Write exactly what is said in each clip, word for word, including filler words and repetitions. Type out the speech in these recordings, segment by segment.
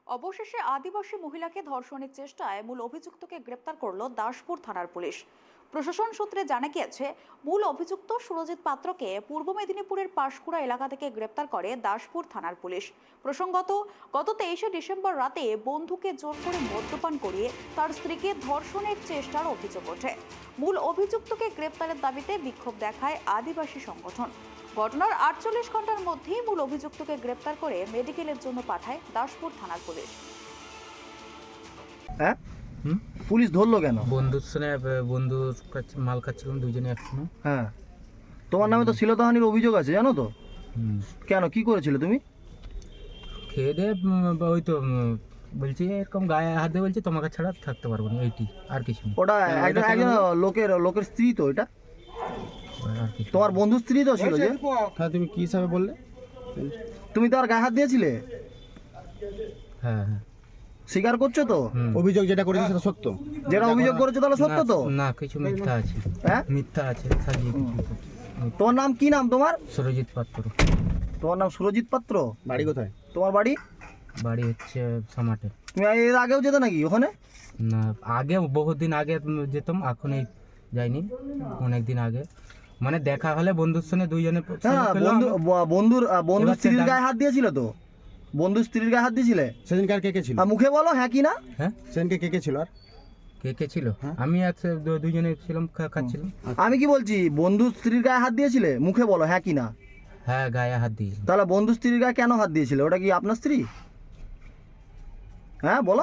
অবশেষে আদিবাসী মহিলাকে ধর্ষণের চেষ্টায় মূল অভিযুক্তকে গ্রেপ্তার করল দাসপুর থানার পুলিশ। প্রশাসন সূত্রে জানা গিয়েছে, মূল অভিযুক্ত সুরজিৎ পাত্রকে পূর্ব মেদিনীপুরের পাঁশকুড়া এলাকা থেকে গ্রেপ্তার করে দাসপুর থানার পুলিশ। প্রসঙ্গত, গত তেইশে ডিসেম্বর রাতে বন্ধুকে জোর করে মদ্যপান করিয়ে তার স্ত্রীকে ধর্ষণের চেষ্টার অভিযোগ ওঠে। মূল অভিযুক্তকে গ্রেপ্তারের দাবিতে বিক্ষোভ দেখায় আদিবাসী সংগঠন। ঘটনার আটচল্লিশ ঘন্টার মধ্যেই মূল অভিযুক্তকে গ্রেপ্তার করে মেডিকেলের জন্য পাঠায় দাসপুর থানার পুলিশ। হ্যাঁ, পুলিশ ধরলো কেন? বন্ধুর সঙ্গে বন্ধুর কাছে মাল খাচ্ছিলাম দুইজনে একসঙ্গে। হ্যাঁ, তোমার নামে তো শ্লীলতাহানির অভিযোগ আছে, জানো তো? কেন, কি করেছিলে তুমি? খেয়ে দিয়ে ওই তো বলছি এরকম গায়ে হাত দিয়ে বলছি তোমাকে ছাড়া থাকতে পারবো না, এইটি আর কিছু না। ওটা একজন একজন লোকের লোকের স্ত্রী তো, এটা আর কিছু তোমার বন্ধুর স্ত্রী তো ছিল যে? হ্যাঁ, তুমি কি হিসাবে বললে? তুমি তো আর গায়ে হাত দিয়েছিলে? হ্যাঁ হ্যাঁ স্বীকার করছো তো? অভিযোগ যেটা করেছে সেটা সত্য? যেটা অভিযোগ করেছো তাহলে সত্য তো? না, কিছু মিথ্যা আছে। হ্যাঁ, মিথ্যা আছে, সাজিয়ে কিছু। তোমার নাম কি? নাম তোমার? সুরজিৎ পাত্র। তোমার নাম সুরজিৎ পাত্র? বাড়ি কোথায়? তোমার বাড়ি? বাড়ি হচ্ছে সামাটে। তুমি এর আগেও যেতে নাকি ওখানে? না, আগে বহুদিন আগে যেতাম, এখন এই যাইনি, অনেক দিন আগে। মানে দেখা হলে বন্ধুর সঙ্গে দুইজনে। হ্যাঁ, বন্ধু বন্ধুর বন্ধুর স্ত্রীর গায়ে হাত দিয়েছিল তো? বন্ধুর স্ত্রীর গায়ে হাত দিয়েছিলে? সেদিনকে আর কে কে ছিল? আর মুখে বলো হ্যাঁ কি না। হ্যাঁ, সেদিনকে কে কে ছিল? আর কে কে ছিল? আমি আর সে দু- দুইজনে ছিলাম, খা- খাচ্ছিলাম। আমি কি বলছি, বন্ধুর স্ত্রীর গায়ে হাত দিয়েছিলে? মুখে বলো হ্যাঁ কি না। হ্যাঁ, গায়ে হাত দিয়ে। তাহলে বন্ধুর স্ত্রীর গায়ে কেন হাত দিয়েছিলে? ওটা কি আপনার স্ত্রী? হ্যাঁ বলো।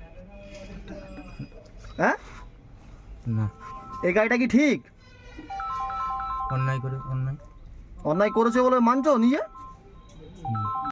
হ্যাঁ, না, এই গাড়িটা কি ঠিক? অন্যায় করে অন্যায়। অন্যায় করেছে বলে মানছো নিজে? হুম।